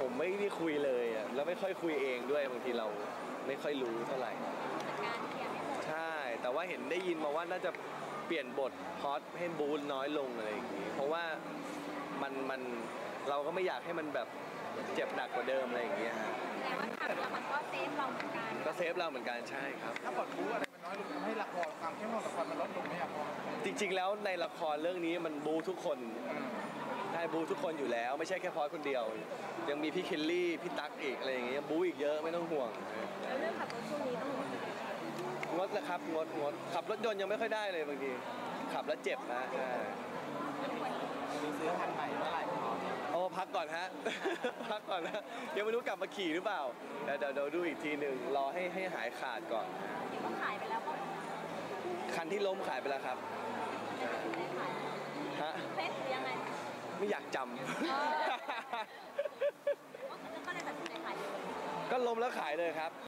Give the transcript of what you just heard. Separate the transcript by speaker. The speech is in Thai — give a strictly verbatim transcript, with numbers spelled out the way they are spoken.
Speaker 1: ผมไม่ได้คุยเลยอ่ะแล้วไม่ค่อยคุยเองด้วยบางทีเราไม่ค่อยรู้เท่าไหร่
Speaker 2: การเคลียร์ให้หมด
Speaker 1: ใช่แต่ว่าเห็นได้ยินมาว่าน่าจะเปลี่ยนบทพอดให้บูนน้อยลงอะไรอย่างงี้เพราะว่ามันมันเราก็ไม่อยากให้มันแบบเจ็บหนักกว่าเดิมอะไรอย่างเงี้ยฮะ
Speaker 2: แต่ว่าทำแล้วมันก็เซฟเราเหมือนกัน
Speaker 1: ก็เซฟเราเหมือนกันใช่ครับ
Speaker 3: ถ้าบทบู๊อะไรมันน้อยลงทำให้ละครความเข้มข้นละครมันลดลงไหมครับพ่อ
Speaker 1: จริงๆแล้วในละครเรื่องนี้มันบูทุกคนได้บูทุกคนอยู่แล้วไม่ใช่แค่พอดคนเดียวยังมีพี่เคลลี่พี่ตั๊กอีกอะไรอย่างเงี้ยบูอีกเยอะไม่ต้องห่วง
Speaker 2: แล้วเรื่องขับรถช่วงนี้ต้อง
Speaker 1: งดนะครับงดงดขับรถยนต์ยังไม่ค่อยได้เลยบางทีขับแล้วเจ็บนะใช่
Speaker 3: มีซื้อคันใหม่เมื่อไหร่ครับ
Speaker 1: โอ้พักก่อนฮะ พักก่อนนะยังไม่รู้กลับมาขี่หรือเปล่าเดี๋ยวเดี๋ยวดูอีกทีหนึ่งรอให้ให้หายขาดก่อน
Speaker 2: เดี๋ยวต้องขายไปแล้วก็
Speaker 1: คันที่ล้มขายไปแล้วครับฮะ
Speaker 2: เพชรหรือยังไง
Speaker 1: ไม่อยากจำ
Speaker 2: ก็เลยตัดสินใจขายเลย
Speaker 1: ก็ล้มแล้วขายเลยครับ